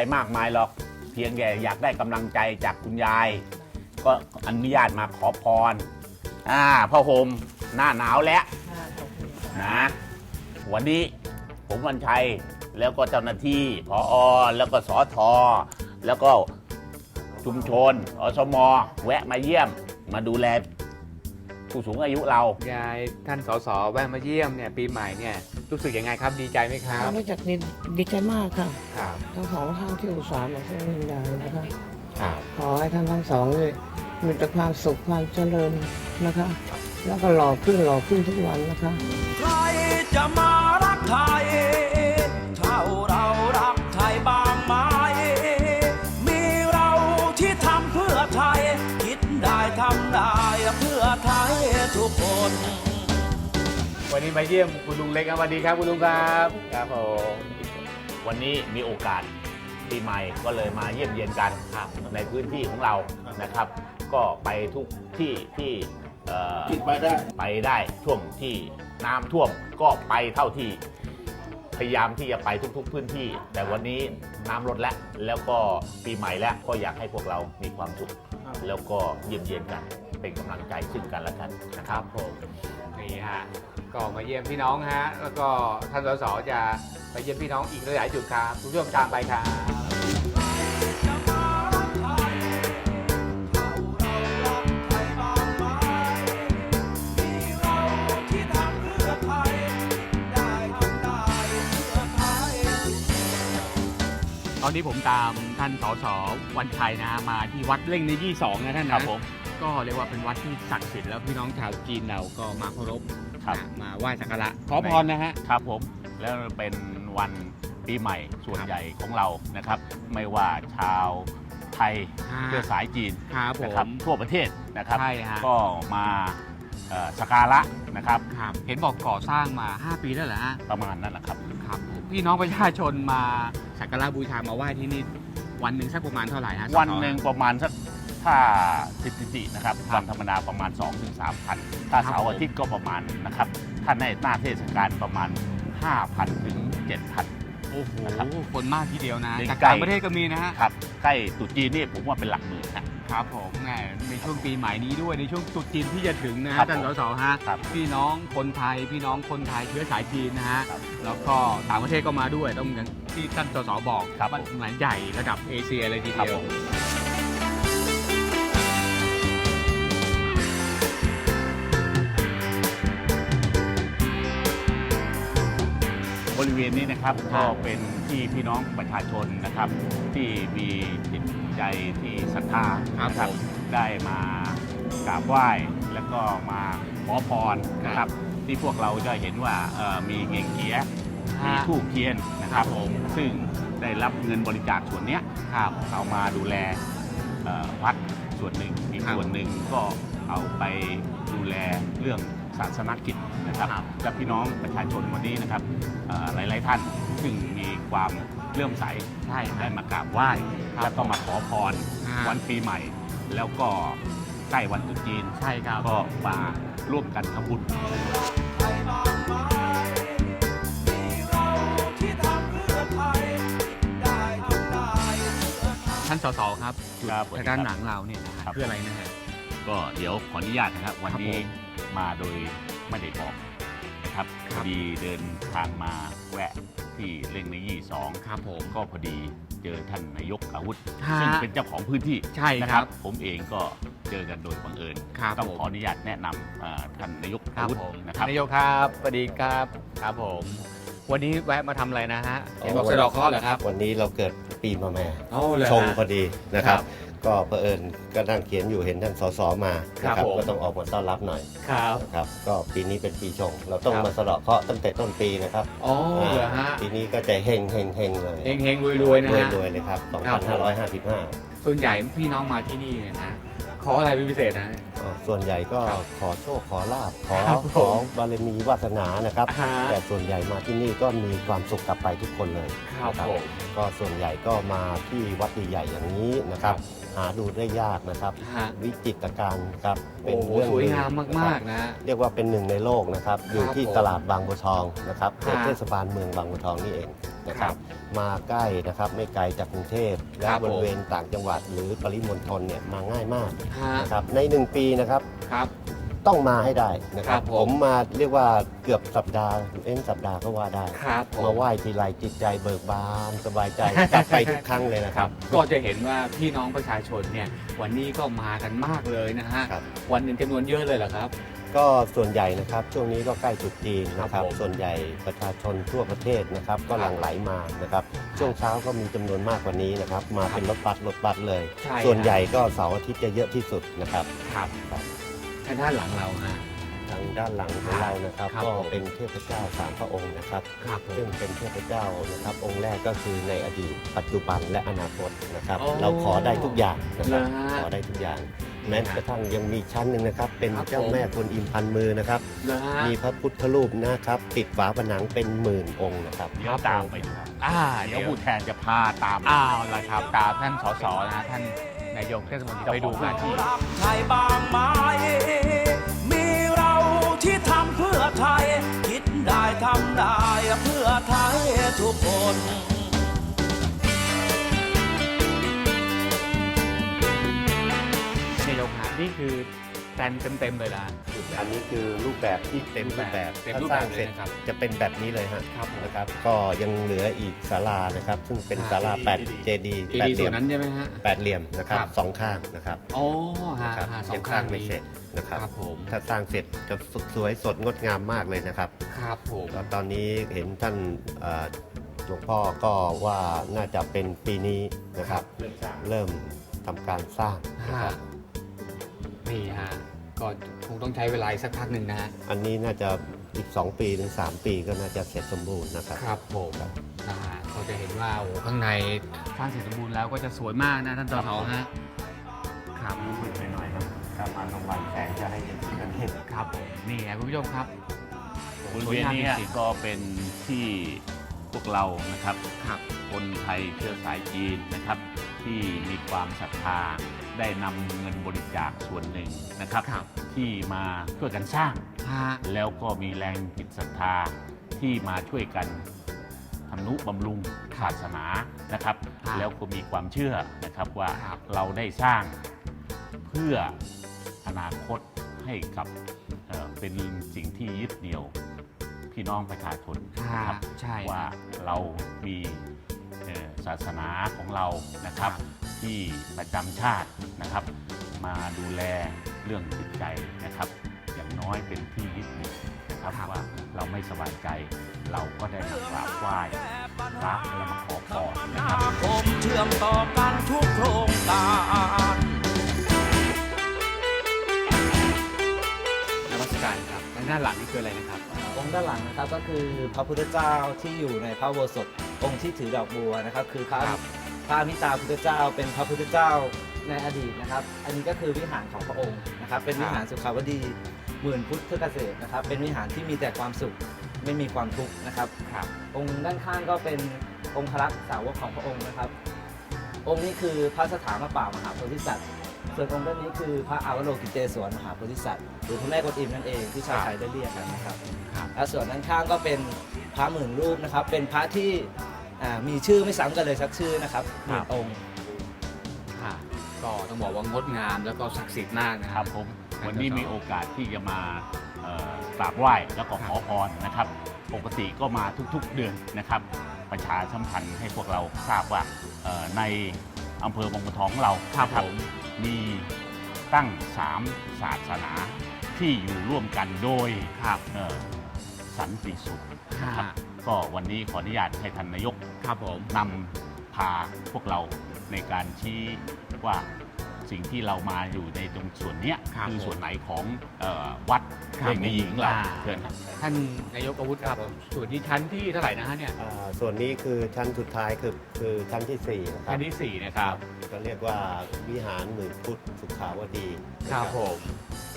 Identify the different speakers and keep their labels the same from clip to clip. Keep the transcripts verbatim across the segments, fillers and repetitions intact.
Speaker 1: มากมายหรอกเพียงแค่อยากได้กำลังใจจากคุณยายก็อนุญาตมาขอพรอ่าพ่อโฮมหน้าหนาวแล้วนะวันนี้ผมวันชัยแล้วก็เจ้าหน้าที่ผอแล้วก็สอทอแล้วก็ชุมชนอสมแวะมาเยี่ยมมาดูแลผู้สูงอายุเรา
Speaker 2: ยายท่านสสแวะมาเยี่ยมเนี่ยปีใหม่เนี่ยรู้สึกยังไงครับดีใจไหมครับ
Speaker 3: รู้จักดีดีใจมากค่ะ
Speaker 2: ครับ
Speaker 3: ทั้งสองท่านที่อุตส่าห์มาช่วยวิญญาณนะคะ
Speaker 2: ครับ
Speaker 3: ขอให้ท่านทั้งสองเลยมีแต่ความสุขความเจริญนะคะ แล้วก็หล่อขึ้นหล่อขึ้นทุกวันนะคะ
Speaker 4: ใครจะมารักไทยเท่าเรารักไทยบางไม้มีเราที่ทำเพื่อไทยคิดได้ทำได้เพื่อไทยทุกคน
Speaker 2: วันนี้มาเยี่ยมคุณลุงเล็กครับสวัสดีครับคุณลุงครับครับผม
Speaker 1: วันนี้มีโอกาสปีใหม่ก็เลยมาเยี่ยมเยียนกันในพื้นที่ของเรานะครับ ก็ไปทุกที่ที่
Speaker 5: ไปได้
Speaker 1: ไปได้ช่วงที่น้ำท่วมก็ไปเท่าที่พยายามที่จะไปทุกๆพื้นที่ แต่วันนี้น้ำลดแล้วแล้วก็ปีใหม่แล้วก็อยากให้พวกเรามีความสุขแล้วก็เยี่ยมเยียนกันเป็นกำลังใจซึ่งกันและกันนะครับ
Speaker 2: ผมนี่ฮะก็มาเยี่ยมพี่น้องฮะแล้วก็ท่านสสจะไปเยี่ยมพี่น้องอีกหลายจุดครับทุกเรื่องตามไปครับตอนนี้ผมตามท่านสสวันชัยนะมาที่วัดเล่งในยี่สองนะท่านนะครับผมก็เรียกว่าเป็นวัดที่ศักดิ์สิทธิ์แล้วพี่น้องชาวจีนเราก็มาเคารพมาไหว้สักการะขอพรนะฮะ
Speaker 1: ครับผมแล้วเป็นวันปีใหม่ส่วนใหญ่ของเรานะครับไม่ว่าชาวไทยเชื้อสายจีนนะครับทั่วประเทศนะครับก็มาสักการะนะครับ
Speaker 2: เห็นบอกก่อสร้างมาห้าปีแล้วเหรอฮะ
Speaker 1: ประมาณนั้นแหละครับ
Speaker 2: ครับพี่น้องประชาชนมาสักการะบูชามาไหว้ที่นี่วันหนึ่งสักประมาณเท่าไหร่ฮะ
Speaker 1: วันหนึ่งประมาณสักถ้าสถิตินะครับวันธรรมดาประมาณ สองถึงสามพัน ถ้าเสาร์อาทิตย์ก็ประมาณนะครับถ้าในหน้าเทศกาลประมาณ ห้าพัน ถึง เจ็ดพัน
Speaker 2: โอ้โหคนมากทีเดียวนะจากต่างประเทศก็มีนะฮะ
Speaker 1: ครับใกล้ตรุษจีนนี่ผมว่าเป็นหลักหมื่น
Speaker 2: ครับผมแหมในช่วงปีใหม่นี้ด้วยในช่วงตรุษจีนที่จะถึงนะฮะท่านสสฮะพี่น้องคนไทยพี่น้องคนไทยเชื้อสายจีนนะฮะแล้วก็ต่างประเทศก็มาด้วยต้องอย่างที่ท่านสสบอกว่าหลายใหญ่ระดับเอเชียเลยทีเดียว
Speaker 1: บริเวณนี้นะครับก็เป็นที่พี่น้องประชาชนนะครับที่มีจิตใจที่ศรัทธานะครับได้มากราบไหว้แล้วก็มาขอพรนะครับที่พวกเราจะเห็นว่ามีเง่งเกียมีธูปเทียนนะครับซึ่งได้รับเงินบริจาคส่วนนี้เอามาดูแลวัดส่วนหนึ่งอีกส่วนหนึ่งก็เอาไปดูแลเรื่องศาสนกิจนะครับและพี่น้องประชาชนวันนี้นะครับหลายๆท่านซึ่งมีความเลื่อมใสได้มากราบไหว้แล้วก็มาขอพรวันปีใหม่แล้วก็ใกล้วันตรุษจีนก็มาร่วมกันทำบุญ
Speaker 2: ท่านสสครับจุดด้านหลังเราเนี่ยคืออะไรนะฮะ
Speaker 1: ก็เดี๋ยวขออนุญาตนะครับวันนี้มาโดยไม่ได้บอกนะครับพอดีเดินทางมาแวะที่เล่งในยี่สอง
Speaker 2: ครับผม
Speaker 1: ก็พอดีเจอท่านนายกอาวุธซึ่งเป็นเจ้าของพื้นที่
Speaker 2: ใช่
Speaker 1: นะครับผมเองก็เจอกันโดยบังเอิญต้องขออนุญาตแนะนำท่านนายกอาวุธนะครับ
Speaker 2: นายกครับสวัสดีครับครับผมวันนี้แวะมาทำอะไรนะฮะเห็นบอกสะดอกเคราะห์เหรอครับ
Speaker 5: วันนี้เราเกิดปีมะแม่ชงพอดีนะครับก็เผอิญก็นั่งเขียนอยู่เห็นท่านสสมานะครับก็ต้องออกมาต้อนรับหน่อย
Speaker 2: ครับ
Speaker 5: ครับก็ปีนี้เป็นปีชงเราต้องมาสะเดาะเคราะห์ตั้งแต่ต้นปีนะครับ
Speaker 2: อ๋อเหรอฮะ
Speaker 5: ปีนี้ก็จะเฮงเฮงเฮงเลย
Speaker 2: เฮงเฮงรวยรวยนะฮะ
Speaker 5: รวยเลยครับสองพันห้าร้อยห้าสิบห้า
Speaker 2: ส่วนใหญ่พี่น้องมาที่นี่เนี่ยนะขออะไรเป็นพิเศษนะ
Speaker 5: อ๋อส่วนใหญ่ก็
Speaker 2: ครับ
Speaker 5: ขอโชคขอลาบขอ
Speaker 2: ครับผม
Speaker 5: ขอบารมีวาสนานะครับ
Speaker 2: ฮะ
Speaker 5: แต่ส่วนใหญ่มาที่นี่ก็มีความสุขกลับไปทุกคนเลย
Speaker 2: ครับ
Speaker 5: นะ
Speaker 2: ผม
Speaker 5: ก็ส่วนใหญ่ก็มาที่วัดใหญ่ๆอย่างนี้นะครับ หาดูได้ยากนะครับ
Speaker 2: ฮะ
Speaker 5: วิจิตรการครับ
Speaker 2: โอ้โห
Speaker 5: เรื่อง
Speaker 2: สวย
Speaker 5: ลือ
Speaker 2: งาม
Speaker 5: นะค
Speaker 2: มา
Speaker 5: รับ
Speaker 2: กๆนะ
Speaker 5: เรียกว่าเป็นหนึ่งในโลกนะครับ อยู่ที่
Speaker 2: ผม
Speaker 5: ตลาดบางบัวทองนะครับ
Speaker 2: ฮะ
Speaker 5: เทศบาลเมืองบางบัวทองนี่เองนะค
Speaker 2: ครั
Speaker 5: รับ บ มาใกล้นะครับไม่ไกลจากกรุงเทพและ
Speaker 2: ครับ
Speaker 5: บริเวณ
Speaker 2: ผม
Speaker 5: ต่างจังหวัดหรือปริมณฑลเนี่ยมาง่ายมาก
Speaker 2: ฮะ
Speaker 5: นะครับในหนึ่งปีนะครับ
Speaker 2: ครับ
Speaker 5: ต้องมาให้ได้นะครับ
Speaker 2: ครับผม
Speaker 5: ผมมาเรียกว่าเกือบสัปดาห์เอ็นสัปดาห์ก็ว่าได้
Speaker 2: ครับผม
Speaker 5: มาไหว้ทีไรจิตใจเบิกบานสบายใจ กลับไปทุกครั้งเลยนะ
Speaker 2: ค
Speaker 5: ค
Speaker 2: รั
Speaker 5: รั
Speaker 2: บบ ก็จะเห็นว่าพี่น้องประชาชนเนี่ยวันนี้ก็มากันมากเลยนะฮะ
Speaker 5: ครับ
Speaker 2: วันหนึ่งจำนวนเยอะเลยเหรอครับ
Speaker 5: ก็ส่วนใหญ่นะครับช่วงนี้ก็ใกล้ตรุษจีนนะค
Speaker 2: ครั
Speaker 5: รั
Speaker 2: บบ ผม
Speaker 5: ส่วนใหญ่ประชาชนทั่วประเทศนะครับก็
Speaker 2: ครับ
Speaker 5: หลั่งไหลมานะครับช่วงเช้าก็มีจำนวนมากกว่านี้นะครับมาเป็นรถบัสรถบัสเลย
Speaker 2: ใช่
Speaker 5: ส่วนใหญ่ก็เสาร์อาทิตย์จะเยอะที่สุดนะครับ
Speaker 2: ครับ
Speaker 5: ครับ
Speaker 2: ทางด้านหลังเราฮะ
Speaker 5: ทางด้านหลังของเรานะครับ
Speaker 2: ครับ
Speaker 5: ก็
Speaker 2: ผม
Speaker 5: เป็นเทพเจ้าสามพระองค์นะครับ
Speaker 2: ครับผม
Speaker 5: ซึ่งเป็นเทพเจ้านะครับองค์แรกก็คือในอดีต ปัจจุบันและอนาคตนะครับ
Speaker 2: อ๋อ
Speaker 5: เราขอได้ทุกอย่างนะครับ
Speaker 2: เหรอฮะ
Speaker 5: ขอได้ทุกอย่าง แม้กระทั่งยังมีชั้นหนึ่งนะครับ เป็น
Speaker 2: ครับ
Speaker 5: เจ้า
Speaker 2: ผม
Speaker 5: แม่กวนอิมพันมือนะครับ
Speaker 2: นะฮะ
Speaker 5: มีพระพุทธรูปนะครับ ติดฝาผนังเป็นหมื่นองค์นะครับ
Speaker 1: เดี๋ยวตามไปดูครับ
Speaker 2: อ่า
Speaker 1: เดี๋
Speaker 2: เดี๋
Speaker 1: ย
Speaker 2: ยว ว
Speaker 1: ผู้แทนจะพาตาม
Speaker 2: อ้าวละครับตามท่านสสนะฮะท่านนายกเทศมนตรีไปดูกันที่
Speaker 4: รักไทยบางไม้มีเราที่ทำเพื่อไทย คิดได้ทำได้เพื่อไทยทุกคน
Speaker 2: นายกฮะนี่คือแตนเต็มๆเลยนะ
Speaker 5: อันนี้คือรูปแบบที่เต็มรูปแบบ
Speaker 2: เต็ม
Speaker 5: ถ้า
Speaker 2: รูป
Speaker 5: ส
Speaker 2: แบ
Speaker 5: ร้า
Speaker 2: บ
Speaker 5: ง
Speaker 2: เล
Speaker 5: เสร็
Speaker 2: ย
Speaker 5: จ
Speaker 2: นะครับ
Speaker 5: จะเป็นแบบนี้เลยฮะ
Speaker 2: ครับผม
Speaker 5: นะครับ ก็ยังเหลืออีกศาลานะครับ ซึ่งเป็น
Speaker 2: ครับ
Speaker 5: ศาลาแปดเจดีย์
Speaker 2: เจ
Speaker 5: แปด
Speaker 2: ดี
Speaker 5: เห
Speaker 2: ส่
Speaker 5: ลี่
Speaker 2: วย น
Speaker 5: ม
Speaker 2: นั้นใช่ไหมฮะ
Speaker 5: แปดเหลี่ยมนะครับ
Speaker 2: ครับ
Speaker 5: สองข้างนะครับ
Speaker 2: โอ้ฮะ
Speaker 5: นะครับ
Speaker 2: ฮะสอ
Speaker 5: ยัง งส
Speaker 2: ข้า
Speaker 5: ร้าง งไม่
Speaker 2: นี้
Speaker 5: เสร็จนะครับ
Speaker 2: ครับผม
Speaker 5: ถ้าสร้างเสร็จจะสวยสดงดงามมากเลยนะครับ
Speaker 2: ครับผม
Speaker 5: แล้วตอนนี้เห็นท่านเอ่อหลวงพ่อก็ว่าน่าจะเป็นปีนี้นะครับ เริ่มทำการสร้างนะค
Speaker 2: ฮะ
Speaker 5: รับ
Speaker 2: นี่ฮะก็คงต้องใช้เวลาอีกสักพักหนึ่งนะฮะ
Speaker 5: อันนี้น่าจะอีกสองปีถึงสามปีก็น่าจะเสร็จสมบูรณ์นะครับ
Speaker 2: ครับผมนะฮะก็จะเห็นว่าโอ้โหข้างในสร้างเสร็จสมบูรณ์แล้วก็จะสวยมากนะท่านสสฮะครับ
Speaker 5: มืดไปหน่อยครับการมากลางวันแสงจะให้เห็นกันเห็น
Speaker 2: ครับผมนี่นะคุณผู้ชมครับ
Speaker 1: บริเวณนี้
Speaker 2: สวยงามจริงๆ
Speaker 1: ก็เป็นที่พวกเรานะครับ
Speaker 2: ครับ
Speaker 1: คนไทยเชื้อสายจีนนะครับ ที่มีความศรัทธาได้นำเงินบริจาคส่วนหนึ่งนะครับ
Speaker 2: ครับ
Speaker 1: ที่มาช่วยกันสร้าง
Speaker 2: ฮะ
Speaker 1: แล้วก็มีแรงจิตศรัทธาที่มาช่วยกันทำนุบำรุงศาสนานะครับ
Speaker 2: ครับ
Speaker 1: แล้วก็มีความเชื่อนะครับว่า
Speaker 2: ครับ
Speaker 1: เราได้สร้างเพื่ออนาคตให้กับเอ่อเป็นสิ่งที่ยึดเหนี่ยวพี่น้องประชาชนนะครับ
Speaker 2: ใช่
Speaker 1: ว่าเรามีเอ่อศาสนาของเรานะครับ
Speaker 2: ครับ
Speaker 1: ที่ประจำชาตินะครับ มาดูแลเรื่องจิตใจนะครับ อย่างน้อยเป็นที่ยึดเหนี่ยวนะครับ
Speaker 2: ครับ
Speaker 1: ว่าเราไม่สบายใจ เราก็ได้มากราบไหว้พระและมาขอพรนะครับ
Speaker 4: คมเชื่อมต่อกันทุกโครงการ
Speaker 2: นมัสการครับทางด้านหลังนี่คืออะไรนะครับ
Speaker 6: องค์ด้านหลังนะครับก็คือพระพุทธเจ้าที่อยู่ในพระอุโบสถองค์ที่ถือดอกบัวนะครับคือพระ
Speaker 2: ครับ
Speaker 6: พระอมิตาพุทธเจ้าเป็นพระพุทธเจ้าในอดีตนะครับ อันนี้ก็คือวิหารของพระองค์นะครับ เป็นวิหารสุขาวดีหมื่นพุทธเกษตรนะครับ เป็นวิหารที่มีแต่ความสุขไม่มีความทุกข์นะครับ
Speaker 2: ครับ
Speaker 6: องค์ด้านข้างก็เป็นองค์ครักษ์สาวกของพระองค์นะครับ องค์นี้คือพระสถามป่ามหาโพธิสัตว์ ส่วนองค์ด้านนี้คือพระอาวโลกิเตศวรมหาโพธิสัตว์หรือพระแม่กวนอิมนั่นเองที่ชาวไทยได้เรียกกันนะครับ
Speaker 2: ครับ
Speaker 6: และส่วนด้านข้างก็เป็นพระหมื่นรูปนะครับ เป็นพระที่อ่ามีชื่อไม่ซ้ำกันเลยสักชื่อนะครับหมื่นองค์
Speaker 2: ค่ะก็ต้องบอกว่างดงามแล้วก็ศักดิ์สิทธิ์มากนะ
Speaker 1: ค
Speaker 2: ค
Speaker 1: รั
Speaker 2: รั
Speaker 1: บบ ผมวันนี้มีโอกาสที่จะมาเอ่อกราบไหว้แล้วก็ขอพรนะครับ ปกติก็มาทุกๆเดือนนะครับ ประชาสัมพันธ์ให้พวกเราทราบว่าเอ่อในอำเภอบางบัวทองของเรา
Speaker 2: ครับ
Speaker 1: นะ
Speaker 2: ผม
Speaker 1: มีตั้งสามศาสนาที่อยู่ร่วมกันโดย
Speaker 2: ครับ
Speaker 1: เอ่อสันติสุข
Speaker 2: ฮะ
Speaker 1: นะครับก็วันนี้ขออนุญาตให้ท่านนายก
Speaker 2: ครับผม
Speaker 1: นำพาพวกเราในการชี้ว่าสิ่งที่เรามาอยู่ในตรงส่วนเนี้ย
Speaker 2: ครับ
Speaker 1: คือ
Speaker 2: ผม
Speaker 1: ส่วนไหนของเออวัด
Speaker 2: ครับ
Speaker 1: เด็กในหญิงเรา
Speaker 2: อ่า
Speaker 1: เชิญครับ
Speaker 2: ท่านนายกอาวุธครับส่วนที่ชั้นที่เท่าไหร่นะฮะเนี่ย
Speaker 5: อ่าส่วนนี้คือชั้นสุดท้ายคือคือชั้นที่สี่นะครั
Speaker 2: ชั้
Speaker 5: บ
Speaker 2: นที่สี่นะครับ
Speaker 5: ก็เรียกว่าวิหารหมื่นพุทธสุขาวดีนะ
Speaker 2: ครับผม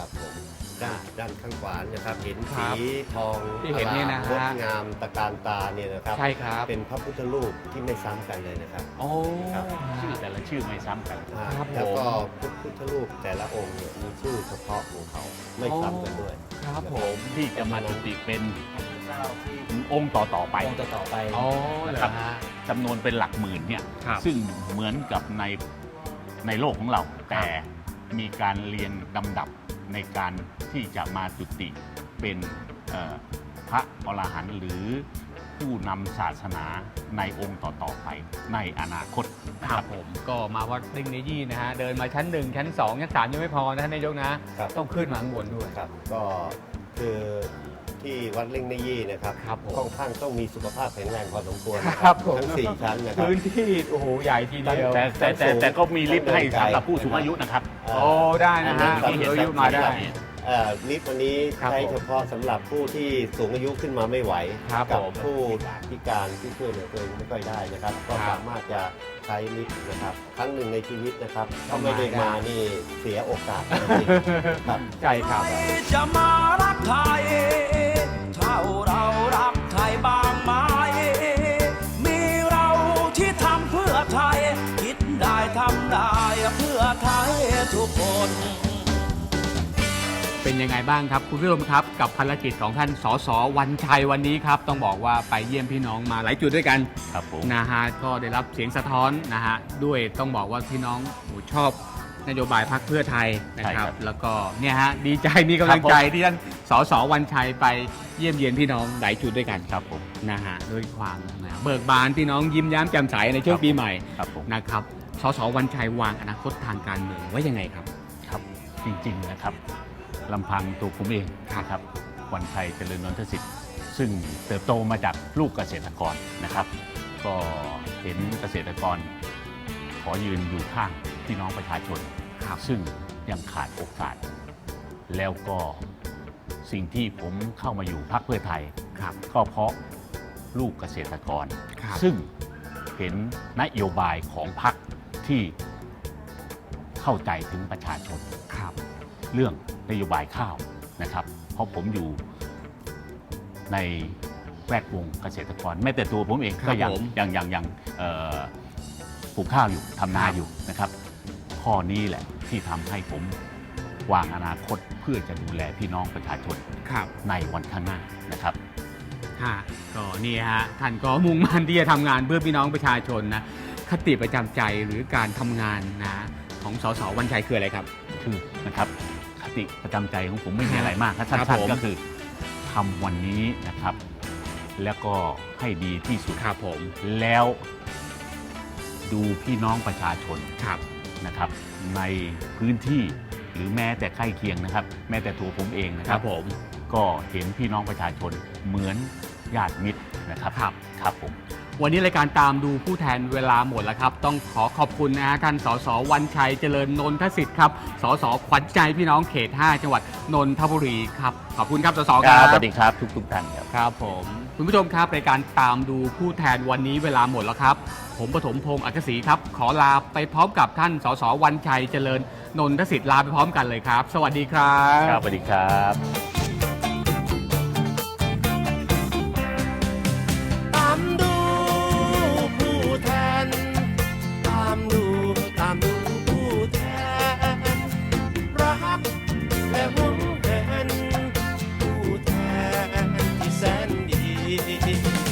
Speaker 5: ครับผมด้านด้านข้างขวานะครับเห็น
Speaker 2: ครั
Speaker 5: สี
Speaker 2: บ
Speaker 5: ทอง
Speaker 2: ที่เห็นเนี่ยนะฮะ
Speaker 5: งดงามตะการตาเนี่ยนะครับ
Speaker 2: ใช่ครับ
Speaker 5: เป็นพระพุทธรูปที่ไม่ซ้ำกันเลยนะครับ
Speaker 2: โอ้
Speaker 5: ครับ
Speaker 1: ชื่อแต่ละชื่อไม่ซ้ำกัน
Speaker 5: อ่า
Speaker 2: ครับ
Speaker 5: แล้วก็
Speaker 2: ผม
Speaker 5: พระพุทธรูปแต่ละองค์เนี่ยมีชื่อเฉพาะของเขาไม่ซ้ำกันด้วย
Speaker 2: ครับผม
Speaker 1: ที่จะมาจุติเป็น
Speaker 6: เจ้าที่
Speaker 1: องค์ต่อต่อๆไป
Speaker 6: องค์ต่อๆไป
Speaker 2: อ๋อเหรอฮะ
Speaker 1: จำนวนเป็นหลักหมื่นเนี่ย
Speaker 2: ครับ
Speaker 1: ซึ่งเหมือนกับในในโลกของเรา แต่มีการเรียงลำดับในการที่จะมาจุติเป็นเอ่อพระอรหันต์หรือผู้นำศาสนาในองค์ต่อๆไปในอนาคต
Speaker 2: ครับผมก็มาวัดเร่งเนยี่นะฮะเดินมาชั้นหนึ่งชั้นสองชั้นสามยังไม่พอนะท่านนายกนะ
Speaker 5: ครับ
Speaker 2: ต้องขึ้นมาข้างบนด้วย
Speaker 5: ครับก็คือที่วัดเล่งในยี่นะครับ
Speaker 2: ครับผม
Speaker 5: ค่อนข้างต้องมีสุขภาพแข็งแรงพอสมควรนะ
Speaker 2: ครับผม
Speaker 5: ทั้งสี่ชั้นนะครับ
Speaker 2: พื้นที่โอ้โหใหญ่ทีเดียว
Speaker 1: แต่แต่แต่แต่ก็มีลิฟต์ให้สำหรับผู้สูงอายุนะครับ
Speaker 2: โอ้ได้นะฮะ
Speaker 1: ที่เห็น
Speaker 2: อายุมาได้
Speaker 5: เอ่อลิฟต์วันนี้
Speaker 2: ครับ
Speaker 5: ใช้
Speaker 2: ผม
Speaker 5: เฉพาะสำหรับผู้ที่สูงอายุขึ้นมาไม่ไหว
Speaker 2: ครับ
Speaker 5: กั
Speaker 2: ผม
Speaker 5: ผู้พิการที่ช่วยเหลือตัวเองไม่ค่อยได้นะครับ ก็
Speaker 2: ครับ
Speaker 5: สามารถจะใช้ลิฟต์นะครับครั้งหนึ่งในชีวิตนะครับ
Speaker 2: ต้
Speaker 5: ถ้า
Speaker 2: อง
Speaker 5: ไม่ได้
Speaker 2: มาได้
Speaker 5: มานี่เสียโอกาสจริงๆครับ
Speaker 2: ใช่ครับ
Speaker 4: จะมารักไทย เท่าเรารักไทยบางไหมมีเราที่ทำเพื่อไทย คิดได้ทำได้เพื่อไทยทุกคน
Speaker 2: เป็นยังไงบ้างครับคุณผู้ชมครับกับภารกิจของท่านสสวันชัยวันนี้ครับต้องบอกว่าไปเยี่ยมพี่น้องมาหลายจุดด้วยกัน
Speaker 1: ครับผม
Speaker 2: นะฮะก็ได้รับเสียงสะท้อนนะฮะด้วยต้องบอกว่าพี่น้องโอ้ชอบนโยบายพรรคเพื่อไทยนะครับ แล้วก็เนี่ยฮะดีใจมีกำลังใจที่ท่านสสวันชัยไปเยี่ยมเยียนพี่น้องหลายจุดด้วยกัน
Speaker 1: ครับผม
Speaker 2: นะฮะด้วยความนะเบิกบานพี่น้องยิ้มแย้มแจ่มใสในช่วงปีใหม่
Speaker 1: ครับผม
Speaker 2: นะครับสสวันชัยวางอนาคตทางการเมืองไว้ยังไงครับ
Speaker 1: ครับจริงๆนะครับลำพังตัวผมเองนะครับวันชัยเจริญนนทสิทธิ์ ซึ่งเติบโตมาจากลูกเกษตรกรนะครับ ก็เห็นเกษตรกร ขอยืนอยู่ข้างพี่น้องประชาชน
Speaker 2: ครับ
Speaker 1: ซึ่งยังขาดโอกาส แล้วก็สิ่งที่ผมเข้ามาอยู่พรรคเพื่อไทย
Speaker 2: ครับ
Speaker 1: ก็เพราะลูกเกษตรกร
Speaker 2: ครับ
Speaker 1: ซึ่งเห็นนโยบายของพรรคที่เข้าใจถึงประชาชน
Speaker 2: ครับ
Speaker 1: เรื่องนโยบายข้าวนะครับ เพราะผมอยู่ในแวดวงเกษตรกรแม้แต่ตัวผมเอง
Speaker 2: ครับ
Speaker 1: ก็ยัง
Speaker 2: ผม
Speaker 1: ยังยังยังเอ่อปลูกข้าวอยู่ทำนา
Speaker 2: ครับ
Speaker 1: อยู่นะครับ ข้อนี้แหละที่ทำให้ผมวางอนาคตเพื่อจะดูแลพี่น้องประชาชน
Speaker 2: ครับ
Speaker 1: ในวันข้างหน้านะครับ
Speaker 2: ฮะก็นี่ฮะท่านก็มุ่งมั่นที่จะทำงานเพื่อพี่น้องประชาชนนะคติประจำใจหรือการทำงานนะของสสวันชัยคืออะไรครับ
Speaker 1: คือนะครับคติประจำใจของผมไม่มีอะไรมากครับ
Speaker 2: ครั
Speaker 1: สั้
Speaker 2: บ
Speaker 1: น
Speaker 2: ผม
Speaker 1: ๆก็คือทำวันนี้นะครับ แล้วก็ให้ดีที่สุด
Speaker 2: ครับผม
Speaker 1: แล้วดูพี่น้องประชาชน
Speaker 2: ครับ
Speaker 1: นะครับ ในพื้นที่หรือแม้แต่ใกล้เคียงนะครับ แม้แต่ตัวผมเองนะ
Speaker 2: ค
Speaker 1: ค
Speaker 2: รั
Speaker 1: รั
Speaker 2: บบ ผม
Speaker 1: ก็เห็นพี่น้องประชาชนเหมือนญาติมิตรนะครับ
Speaker 2: ครับ
Speaker 1: ครับผม
Speaker 2: วันนี้รายการตามดูผู้แทนเวลาหมดแล้วครับ ต้องขอขอบคุณนะฮะท่านสสวันชัยเจริญนนทสิทธิ์ครับสสขวัญใจพี่น้องเขต ห้า จังหวัดนนทบุรีครับขอบคุณครับสส
Speaker 1: ค
Speaker 2: ค
Speaker 1: รั
Speaker 2: รั
Speaker 1: บบ สวัสดีครับทุกทุกๆท่านครับ
Speaker 2: ครับผมคุณผู้ชมครับรายการตามดูผู้แทนวันนี้เวลาหมดแล้วครับ ผมปฐมพงศ์อักษีครับ ขอลาไปพร้อมกับท่านสสวันชัยเจริญนนทสิทธิ์ลาไปพร้อมกันเลยครับ สวัสดีครับ
Speaker 1: ครับสวัสดีครับ
Speaker 5: ตามดูผู้แทน ตามดูตามดูผู้แทน รักและหวงแหนผู้แทนที่แสนดี